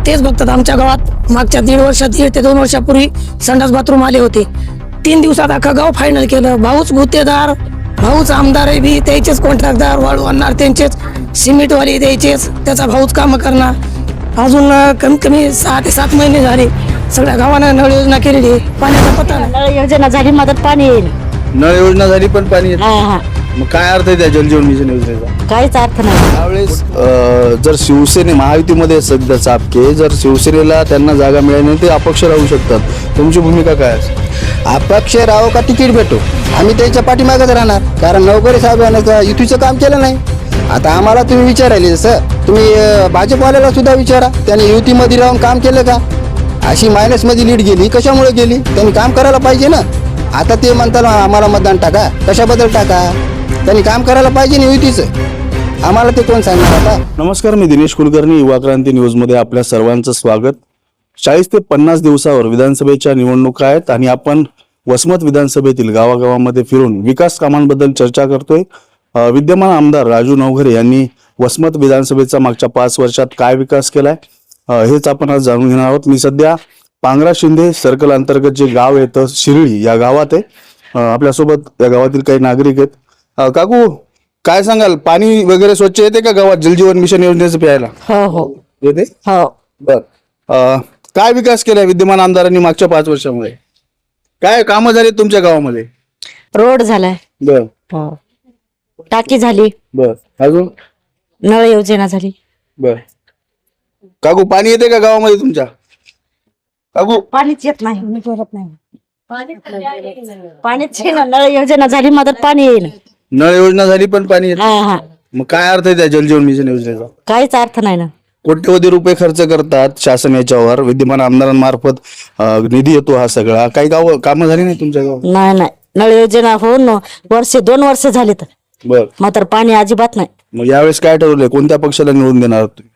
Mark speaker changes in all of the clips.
Speaker 1: तेच बघतात. आमच्या गावात मागच्या 1.5 वर्षात 1 ते 2 वर्षापूर्वी संडास बाथरूम आले होते. 3 दिवसात अख्खा गाव फायनल केलं. भाऊच गुत्तेदार, भाऊच आमदार आहे बी, त्याचेच कॉन्ट्रॅक्टदार, वाळू आणणार त्यांचेच, सिमेंटवाले द्यायचेच, त्याचा भाऊच कामं करणार. अजून कमीत कमी 6 ते 7 महिने झाले सगळ्या गावानं नळ योजना केलेली आहे. पाण्याचा पत्ता नाही.
Speaker 2: नळ योजना झाली मदत पाणी येईल.
Speaker 3: नळ योजना झाली पण पाणी येत
Speaker 2: हा
Speaker 3: नाही.
Speaker 2: हा
Speaker 3: मग काय अर्थ आहे त्या जलजीवन मिशन योजनेचा?
Speaker 2: काहीच अर्थ नाही.
Speaker 3: त्यावेळेस जर शिवसेने महायुतीमध्ये सध्या चापके, जर शिवसेनेला त्यांना जागा मिळाली नाही ते अपक्ष राहू शकतात. तुमची भूमिका काय असेल?
Speaker 4: अपक्ष राहो का तिकीट भेटो, आम्ही त्यांच्या पाठीमागच राहणार. कारण नवकरी साहेबांना युतीचं काम केलं नाही. आता आम्हाला तुम्ही विचारायले, जसं तुम्ही भाजपवाल्याला सुद्धा विचारा, त्यांनी युतीमध्ये राहून काम केलं का? अशी मायनसमध्ये लीड गेली, कशामुळे गेली? त्यांनी काम करायला पाहिजे ना. आता ते म्हणतात आम्हाला मतदान टाका, कशाबद्दल टाका? त्यांनी काम करायला पाहिजे ना युतीचं. आम्हाला ते कोण सांगणार आता?
Speaker 3: नमस्कार, मी दिनेश कुलकर्णी, युवा क्रांती न्यूजमध्ये आपल्या सर्वांचं स्वागत. 40 ते 50 दिवसावर विधानसभेच्या निवडणुका आहेत आणि आपण वसमत विधानसभेतील गावागावामध्ये फिरून विकास कामांबद्दल चर्चा करतोय. विद्यमान आमदार राजू नवघरे यांनी वसमत विधानसभेचा मागच्या 5 वर्षात काय विकास केलाय हेच आपण आज जाणून घेणार आहोत. मी सध्या पांगरा शिंदे सर्कल अंतर्गत जे गाव येतं शिरळी या गावात आहे. आपल्यासोबत या गावातील काही नागरिक आहेत. काकू, काय सांगाल, पाणी वगैरे स्वच्छ येते का गावात जलजीवन मिशन योजनेचं प्यायला?
Speaker 2: हो हो
Speaker 3: येते.
Speaker 2: हो.
Speaker 3: बर, काय विकास केलाय विद्यमान आमदारांनी मागच्या 5 वर्षामध्ये? काय कामं झाली तुमच्या गावामध्ये?
Speaker 2: रोड झालाय.
Speaker 3: बर
Speaker 2: हो. टाकी झाली.
Speaker 3: बर, अजून?
Speaker 2: नळ योजना झाली.
Speaker 3: बर. काकू, पाणी येते का गावामध्ये तुमच्या? काकू,
Speaker 2: पाणीच येत नाही. पाणीच नळ योजना झाली मदत पाणी येईल.
Speaker 3: नळ योजना झाली पण पाणी येत
Speaker 2: हा
Speaker 3: नाही.
Speaker 2: हा
Speaker 3: मग काय अर्थ आहे त्या जलजीवन मिशन योजनेचा?
Speaker 2: काहीच अर्थ नाही ना.
Speaker 3: कोट्यवधी रुपये खर्च करतात शासन याच्यावर, विद्यमान आमदारांमार्फत निधी येतो हा सगळा. काही गाव कामं झाली नाही तुमच्या गावात?
Speaker 2: नाही नाही, नळ योजना होऊन 2 वर्ष झाली तर
Speaker 3: बर.
Speaker 2: मात्र पाणी अजिबात नाही.
Speaker 3: मग यावेळेस काय ठरवलंय, कोणत्या पक्षाला निवडून देणार आहात तुम्ही?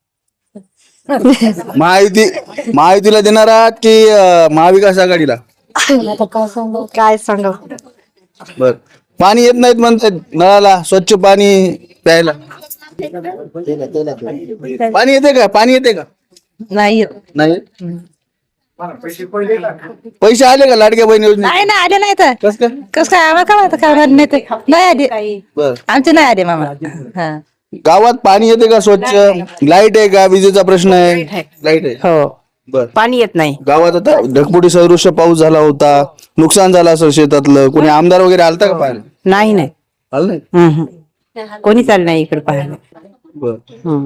Speaker 3: महायुतीला देणार आहात की महाविकास आघाडीला?
Speaker 2: काय सांग.
Speaker 3: बर. पाणी येत नाहीत म्हणतात नळाला, स्वच्छ पाणी प्यायला. पाणी येते का? पाणी येते का?
Speaker 2: नाही
Speaker 3: नाही. पैसे आले का लाडक्या बहीण योजने?
Speaker 5: नाही ना, आले नाही तर
Speaker 3: कस काय?
Speaker 5: कस काय आम्हाला काय माहिती, काय नाही ते नाही आले.
Speaker 3: बर.
Speaker 5: आमचे नाही आले मामा. हा
Speaker 3: गावात पाणी येते का स्वच्छ? लाईट आहे का? विजेचा प्रश्न आहे? लाईट आहे.
Speaker 5: हो,
Speaker 3: बर.
Speaker 5: पाणी येत नाही.
Speaker 3: गावात आता ढगफुटी सदृश्य पाऊस झाला होता, नुकसान झालं असं शेतातलं. कोणी आमदार वगैरे आलता का पाहायला?
Speaker 5: नाही नाही.
Speaker 3: आलं नाही.
Speaker 5: कोणीच आलं नाही इकडे पाहायला.
Speaker 3: बर.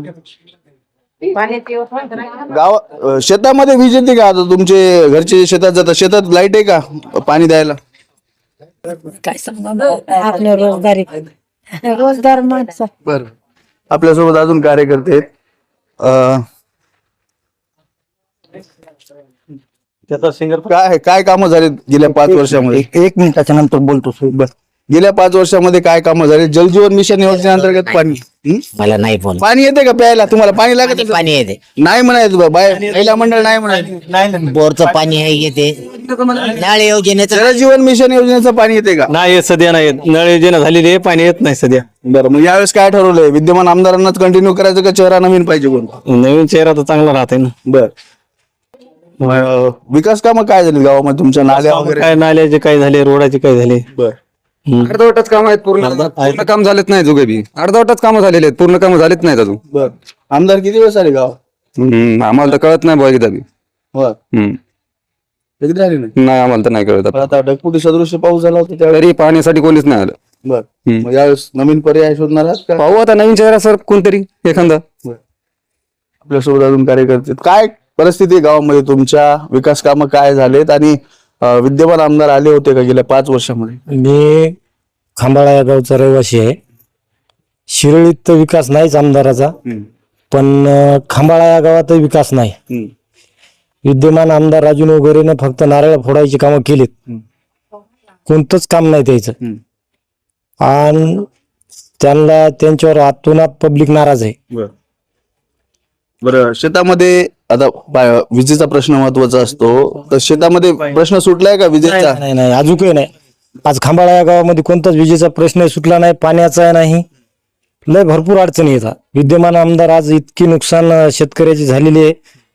Speaker 3: गाव शेतामध्ये वीज येते का? आता तुमचे घरचे शेतात जातात, शेतात लाईट आहे का पाणी द्यायला?
Speaker 5: काय सांगा आपल्या रोजदार माणसं.
Speaker 3: बर. आपल्यासोबत अजून कार्यकर्ते आहेत. काय काय कामं झालीत गेल्या 5 वर्षामध्ये?
Speaker 4: 1 मिनिटाच्या नंतर बोलतो.
Speaker 3: बस. गेल्या 5 वर्षामध्ये काय कामं झाली जलजीवन मिशन योजनेअंतर्गत? पाणी
Speaker 6: मला नाही बोल.
Speaker 3: पाणी येते का प्यायला? तुम्हाला पाणी लागत?
Speaker 6: पाणी येते.
Speaker 3: नाही म्हणायचं महिला मंडळ नाही म्हणायचं.
Speaker 6: बोरचं पाणी आहे येते. नळ योजनेचं
Speaker 3: जलजीवन मिशन योजनेचं पाणी येते का?
Speaker 7: नाही येत सध्या, नाही येत. नळ योजना झालेली आहे, पाणी येत नाही सध्या.
Speaker 3: बरं, मग यावेळेस काय ठरवलंय? विद्यमान आमदारांनाच कंटिन्यू करायचं का चेहरा नवीन पाहिजे कोण?
Speaker 7: नवीन चेहरा तर चांगला राहते ना.
Speaker 3: बर. विकास कामं काय झाली गावामध्ये तुमच्या? नाल्या वगैरे?
Speaker 7: काय नाल्याचे काय झाले, रोडाचे काय झाले.
Speaker 3: बर.
Speaker 8: अर्धवटच काम आहेत, पूर्ण काम झालेत नाही. जुगे बी अर्धवटच कामं झालेले आहेत, पूर्ण कामं झालेत नाहीत अजून.
Speaker 3: बर. आमदार किती दिवस आले गाव?
Speaker 8: आम्हाला तर कळत नाही बघा बी.
Speaker 3: बर. कधी आले नाही?
Speaker 8: नाही, आम्हाला तर नाही कळत.
Speaker 3: पण आता ढगफुटी सदृश्य पाऊस झाला होता त्यावेळी.
Speaker 8: तरी पाण्यासाठी कोणीच नाही आलं.
Speaker 3: बर. मग यावेळेस नवीन पर्याय शोधणार आहात का?
Speaker 8: पाहू आता नवीन चेहरा सर कोणतरी एखादा.
Speaker 3: आपल्यासोबत अजून कार्यकर्ते आहेत. काय परिस्थिती आहे गावामध्ये तुमच्या? विकास कामं काय झालेत आणि विद्यमान आमदार आले होते का गेल्या 5 वर्षामध्ये?
Speaker 9: मी खांबाळा या गावचा रहिवासी आहे. शिरळीत तर विकास नाहीच आमदाराचा, पण खांबाळा या गावात विकास नाही. विद्यमान आमदार राजू नवघरेनं फक्त नारळ फोडायची कामं केलीत, कोणतंच काम नाही त्याचं. आणि त्यांच्यावर आतोनात पब्लिक नाराज आहे.
Speaker 3: बरं, शेतामध्ये आता विजेचा प्रश्न महत्वाचा असतो, तर शेतामध्ये प्रश्न सुटलाय का विजेचा?
Speaker 9: नाही नाही, अजूनही नाही. आज खांबाळा या गावामध्ये कोणताच विजेचा प्रश्न सुटला नाही, पाण्याचा नाही. लय भरपूर अडचणी येतात. विद्यमान आमदार आज इतकी नुकसान शेतकऱ्याची झालेली आहे,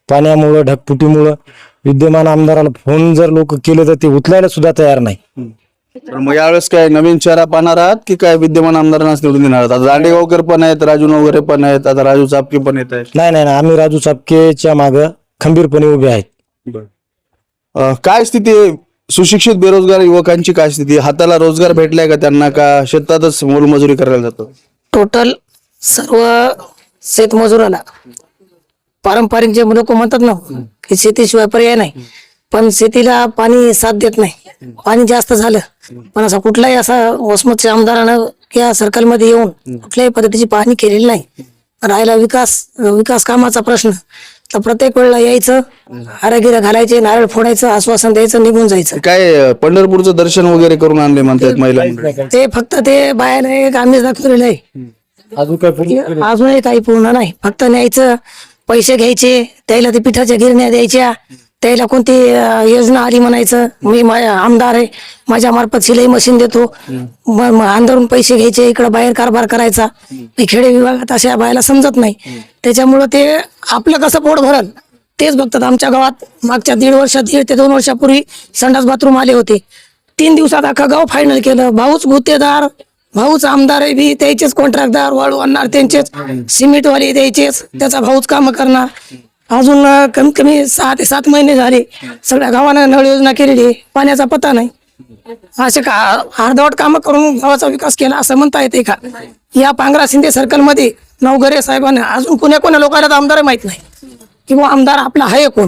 Speaker 9: पाण्यामुळं ढगफुटीमुळं विद्यमान आमदाराला फोन जर लोक केले तर ते उचलायला सुद्धा तयार नाही.
Speaker 3: तर मग यावेळेस काय नवीन चेहरा पाहणार आहात की काय विद्यमान आमदारांनाच निवडून देणार आहात? आता दांडेगावकर पण आहेत, राजू नवघरे पण आहेत, आता राजू चापके पण येत आहेत.
Speaker 9: नाही नाही नाही, आम्ही राजू चापकेच्या मागं खंबीरपणे उभे आहेत.
Speaker 3: काय स्थिती आहे? सुशिक्षित बेरोजगार युवकांची काय स्थिती आहे? हाताला रोजगार भेटलाय का त्यांना, का शेतातच मोलमजुरी करायला जातो?
Speaker 1: टोटल सर्व शेतमजुराला पारंपरिक जे लोक म्हणतात ना की शेतीशिवाय पर्याय नाही, पण शेतीला पाणी साथ देत नाही. पाणी जास्त झालं पण असा कुठलाही असा वसमतच्या आमदारानं या सर्कलमध्ये येऊन कुठल्याही पद्धतीची पाहणी केलेली नाही. राहिला विकास कामाचा प्रश्न, तर प्रत्येक वेळेला यायचं, हारागिरा घालायचे, नारळ फोडायचं, आश्वासन द्यायचं, निघून जायचं.
Speaker 3: काय पंढरपूरचं दर्शन वगैरे करून आणले म्हणतात महिला मंडळी?
Speaker 1: ते फक्त ते बाहेर एक आम्हीच दाखवलेलं आहे,
Speaker 9: अजून काय
Speaker 1: अजूनही काही पूर्ण नाही. फक्त न्यायचं, पैसे घ्यायचे, त्याला ते पिठाच्या गिरण्या द्यायच्या, त्याला कोणती योजना आली म्हणायचं, मी आमदार आहे, माझ्या मार्फत शिलाई मशीन देतो, अंधारून पैसे घ्यायचे, इकडं बाहेर कारभार करायचा. खेडे विभागात अशा बायला समजत नाही, त्याच्यामुळं ते आपलं कसं पोट भरल तेच बघतात. आमच्या गावात मागच्या 1.5 ते 2 वर्षापूर्वी संडास बाथरूम आले होते. 3 दिवसात अख्खा गाव फायनल केलं. भाऊच गुत्तेदार, भाऊच आमदार आहे बी, त्याचेच कॉन्ट्रॅक्टदार, वाळू आणणार त्यांचेच, सिमेंटवाले द्यायचेच, त्याचा भाऊच काम करणार. अजून कमीत कमी 6 ते 7 महिने झाले सगळ्या गावानं नळ योजना केलेली, पाण्याचा पत्ता नाही. असे का अर्धवट कामं करून गावाचा विकास केला असं म्हणता येते का? या पांगरा शिंदे सर्कल मध्ये नवघरे साहेबांना अजून कोण्या लोकांना आमदार माहित नाही किंवा आमदार आपला आहे कोण.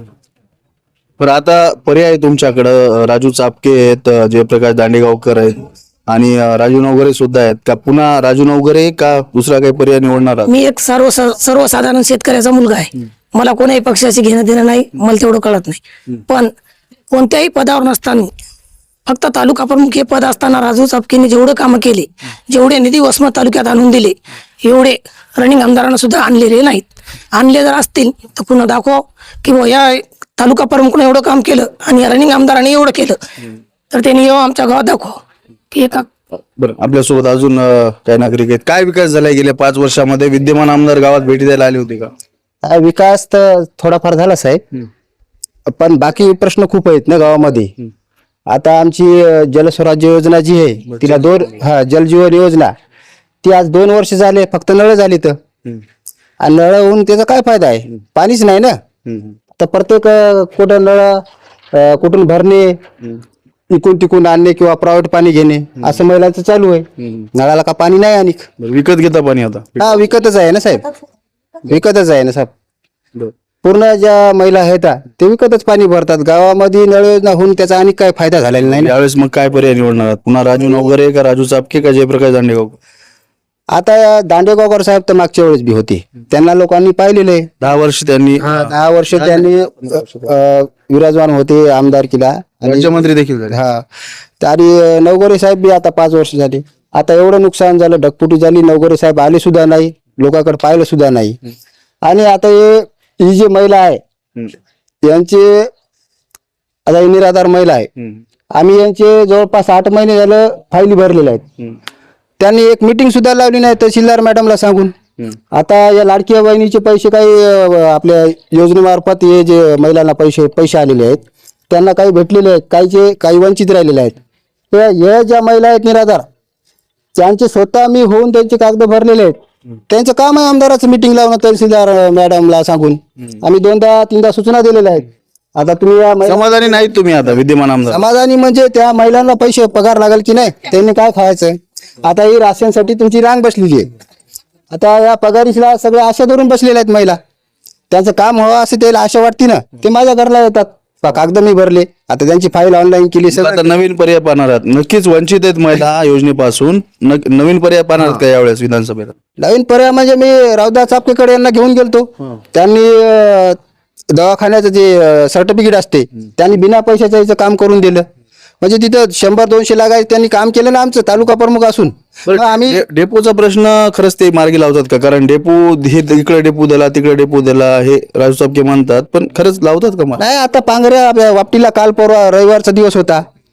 Speaker 3: पण आता पर्याय तुमच्याकडं राजू चापके आहेत, जयप्रकाश दांडेगावकर आहेत आणि राजू नवघरे सुद्धा आहेत. का पुन्हा राजू नवघरे का दुसरा काही पर्याय निवडणार आहात?
Speaker 1: मी एक सर्वसाधारण शेतकऱ्याचा मुलगा आहे, मला कोणाही पक्षाशी घेणं देणं नाही, मला तेवढं कळत नाही. पण कोणत्याही पदावर नसताना, फक्त तालुका प्रमुख हे पद असताना राजू चापकेने जेवढे कामं केले, जेवढे निधी वसमत तालुक्यात आणून दिले, एवढे रनिंग आमदारांना सुद्धा आणलेले नाहीत. आणले जर असतील तर पुन्हा दाखव की या तालुका प्रमुखने एवढं काम केलं आणि या रनिंग आमदाराने एवढं केलं, तर त्यांनी येऊ आमच्या गावात दाखव की एका.
Speaker 3: बरं, आपल्यासोबत अजून काही नागरिक आहेत. काय विकास झालाय गेल्या 5 वर्षामध्ये? विद्यमान आमदार गावात भेटी द्यायला आले होते का?
Speaker 4: विकास तर थोडाफार झाला साहेब, पण बाकी प्रश्न खूप आहेत ना गावामध्ये. आता आमची जलस्वराज्य योजना जी आहे तिला जलजीवन योजना ती आज 2 वर्ष झाले, फक्त नळ झाली तर. आणि नळ होऊन त्याचा काय फायदा आहे? पाणीच नाही ना. तर प्रत्येक कुठं नळ कुठून भरणे, इकून तिकून आणणे किंवा प्रायव्हेट पाणी घेणे असं महिलांचं चालू आहे. नळाला का पाणी नाही आणि
Speaker 3: विकत घेता पाणी आता?
Speaker 4: हा, विकतच आहे ना साहेब, विकतच आहे ना साहेब. पूर्ण ज्या महिला आहेत ते विकतच पाणी भरतात. गावामध्ये नळ योजना होऊन त्याचा आणि काय फायदा झालेला नाही.
Speaker 3: यावेळेस मग काय पर्याय निवडणार आहात? पुन्हा राजू नवघरे का राजू चापके का जयप्रकाश दांडेगावकर?
Speaker 4: आता दांडेगावकर साहेब तर मागच्या वेळेस बी होते, त्यांना लोकांनी पाहिलेले आहे.
Speaker 3: 10 वर्ष त्यांनी
Speaker 4: 10 वर्ष त्यांनी विराजमान होते आमदारकीला,
Speaker 3: राज्यमंत्री देखील झाले.
Speaker 4: हा. आणि नवघरे साहेब बी आता 5 वर्ष झाले. आता एवढं नुकसान झालं, ढगफुटी झाली, नवघरे साहेब आले सुद्धा नाही, लोकांकडे पाहिलं सुद्धा नाही. आणि आता ही जी महिला आहे यांचे, आता ही निराधार महिला आहे, आम्ही यांचे जवळपास 8 महिने झालं फायली भरलेल्या आहेत. त्यांनी एक मीटिंग सुद्धा लावली नाही तहसीलदार मॅडमला सांगून. आता या लाडक्या बहिणीचे पैसे काही आपल्या योजनेमार्फत हे जे महिलांना पैसे आलेले आहेत त्यांना काही भेटलेले आहेत, काही वंचित राहिलेले आहेत. तर या ज्या महिला आहेत निराधार, त्यांचे स्वतः मी होऊन त्यांचे कागद भरलेले आहेत. त्यांचं काम आहे आमदाराचं मीटिंग लावणं तहसीलदार मॅडमला सांगून. आम्ही 2दा-3दा सूचना दिलेल्या आहेत. आता तुम्ही या
Speaker 3: समाधानी नाहीत तुम्ही आता विद्यमान आमदार?
Speaker 4: समाधानी म्हणजे त्या महिलांना पैसे पगार लागेल की नाही, त्यांनी काय खायचं. आता ही राशनसाठी तुमची रांग बसलेली आहे. आता या पगारीला सगळ्या आशा धरून बसलेल्या आहेत महिला. त्यांचं काम व्हावं असं त्याला आशा वाटते ना, ते माझ्या घरला येतात, कागद मी भरले, आता त्यांची फाईल ऑनलाईन केली.
Speaker 3: आता नवीन पर्याय पाहणार आहात? नक्कीच वंचित आहेत महिला योजनेपासून, नवीन पर्याय पाहणार आहात का यावेळेस विधानसभेला?
Speaker 4: नवीन पर्याय म्हणजे मी रावदास चापकेकडे यांना घेऊन गेलतो. त्यांनी दवाखान्याचं जे सर्टिफिकेट असते त्यांनी बिना पैशाचं याचं काम करून दिलं. म्हणजे तिथं 100-200 लागायचं त्यांनी काम केलं ना आमचं तालुका प्रमुख असून. आम्ही
Speaker 3: डेपोचा प्रश्न खरंच ते मार्गी लावतात का? कारण डेपो हे इकडे डेपो दिला, तिकडे डेपो दिला, हे राजू चापके म्हणतात, पण खरंच लावतात का?
Speaker 4: नाही, आता पांगऱ्या वापटीला काल परवा रविवारचा दिवस होता,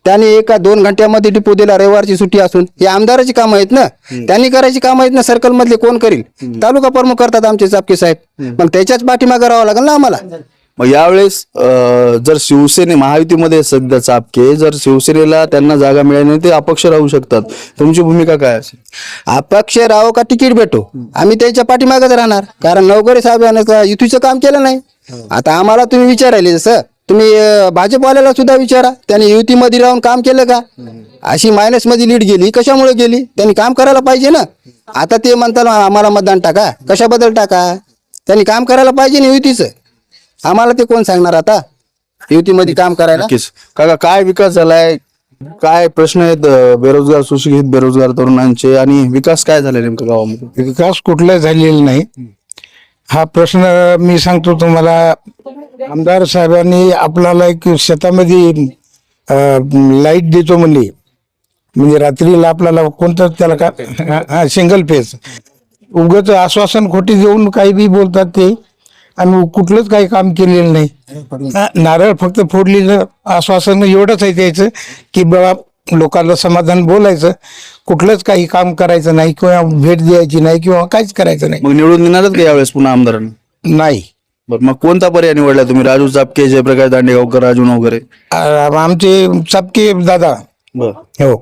Speaker 4: त्यांनी 1-2 घंट्यामध्ये डिपो दिला, रविवारची सुट्टी असून. हे आमदाराची कामं आहेत ना, त्यांनी करायची कामं आहेत ना. सर्कल मधले कोण करील? तालुका प्रमुख करतात आमचे चापके साहेब. मग त्याच्याच पाठीमागे राहावं लागेल ना आम्हाला.
Speaker 3: मग यावेळेस जर महायुतीमध्ये सध्या चापके, जर शिवसेनेला त्यांना जागा मिळाली नाही ते अपक्ष राहू शकतात. तुमची भूमिका काय असेल?
Speaker 4: अपक्ष राहो का तिकीट भेटो, आम्ही त्याच्या पाठीमागच राहणार. कारण नवकरी साहेबांना युतीचं काम केलं नाही. आता आम्हाला तुम्ही विचारायले, जसं तुम्ही भाजपवाल्याला सुद्धा विचारा, त्यांनी युतीमध्ये राहून काम केलं का? अशी मायनस मध्ये लीड गेली, कशामुळे गेली? त्यांनी काम करायला पाहिजे ना. आता ते म्हणतात आम्हाला मतदान टाका, कशाबद्दल टाका? त्यांनी काम करायला पाहिजे ना युतीचं. आम्हाला ते कोण सांगणार आता युतीमध्ये काम करायला?
Speaker 3: नक्कीच. काका, काय विकास झालाय, काय प्रश्न आहेत बेरोजगार, सुशिक्षित बेरोजगार तरुणांचे, आणि विकास काय झालाय नेमकं गावामध्ये?
Speaker 10: विकास कुठला झालेला नाही हा प्रश्न मी सांगतो तुम्हाला. आमदार साहेबांनी आपल्याला एक शेतामध्ये लाईट देतो म्हणले, म्हणजे रात्रीला आपल्याला कोणतं त्याला का सिंगल फेज, उगाच आश्वासन खोटी देऊन काही बी बोलतात ते, आणि कुठलंच काही काम केलेलं नाही. नारळ फक्त फोडलेलं आश्वासन एवढंच आहे द्यायचं की बाबा लोकांना समाधान बोलायचं, कुठलंच काही काम करायचं नाही किंवा भेट द्यायची नाही किंवा काहीच करायचं नाही.
Speaker 3: मग निवडून येणारच का यावेळेस पुन्हा आमदारांना?
Speaker 10: नाही.
Speaker 3: बरं, मग कोणता पर्याय निवडला तुम्ही? राजू चापके, जयप्रकाश दांडेगावकर, राजू नवघरे?
Speaker 10: आमचे चापके दादा. हो,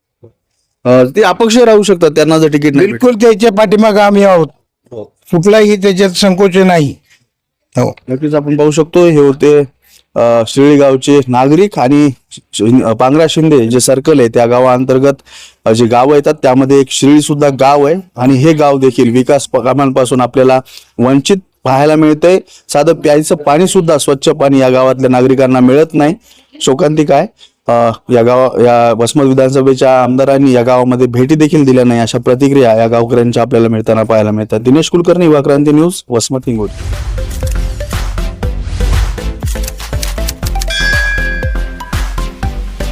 Speaker 3: ते अपक्ष राहू शकतात त्यांना जर तिकीट नाही भेटलं.
Speaker 10: बिलकुल त्याच्या पाठीमागे आम्ही आहोत, कुठलाही त्याच्यात संकोच नाही. हो,
Speaker 3: नक्कीच आपण पाहू शकतो. हे होते शिर्डी गावचे नागरिक, आणि पांगरा शिंदे जे सर्कल आहे त्या गावाअंतर्गत जे गाव येतात त्यामध्ये एक शिर्डी सुद्धा गाव आहे, आणि हे गाव देखील विकास कामांपासून आपल्याला वंचित पाहायला मिळतंय. साधं प्यायचं पाणी सुद्धा, स्वच्छ पाणी या गावातल्या नागरिकांना मिळत नाही. शोकांतिक आहे. या वसमत विधानसभेच्या आमदारांनी या गावामध्ये भेटी देखील दिल्या नाही, अशा प्रतिक्रिया या गावकऱ्यांच्या आपल्याला मिळताना पाहायला मिळतात. दिनेश कुलकर्णी, युवा क्रांती न्यूज, वसमत, हिंगोली.